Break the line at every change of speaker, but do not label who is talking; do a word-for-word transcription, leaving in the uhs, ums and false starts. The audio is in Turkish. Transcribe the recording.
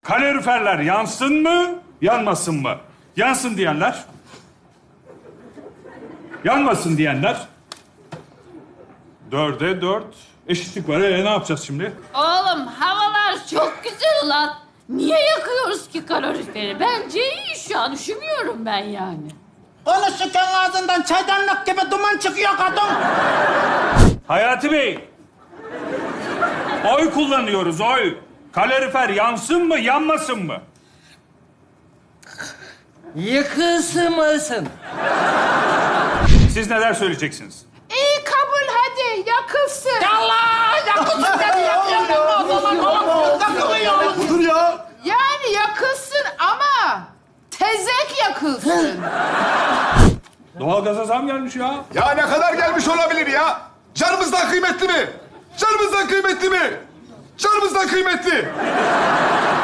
Kaloriferler yansın mı, yanmasın mı? Yansın diyenler. Yanmasın diyenler. Dörde dört. Eşitlik var. Ee, ne yapacağız şimdi?
Oğlum havalar çok güzel ulan. Niye yakıyoruz ki kaloriferi? Bence iyi şu an. Üşümüyorum ben yani.
Konuşurken ağzından çaydanlık gibi duman çıkıyor kadın.
Hayati Bey. Oy kullanıyoruz, oy. Kalorifer yansın mı, yanmasın mı?
Yıkılsın mısın?
Siz neler söyleyeceksiniz?
İyi kabul hadi yakılsın.
Allah yakılsın dedi yakıyorum. O zaman oğlum yakılıyor.
Dur ya.
Yani yakılsın ama tezek yakılsın.
Doğalgaza zam gelmiş ya.
Ya ne kadar gelmiş olabilir ya? Canımızdan kıymetli mi? Canımızdan kıymetli mi? Canımızdan kıymetli.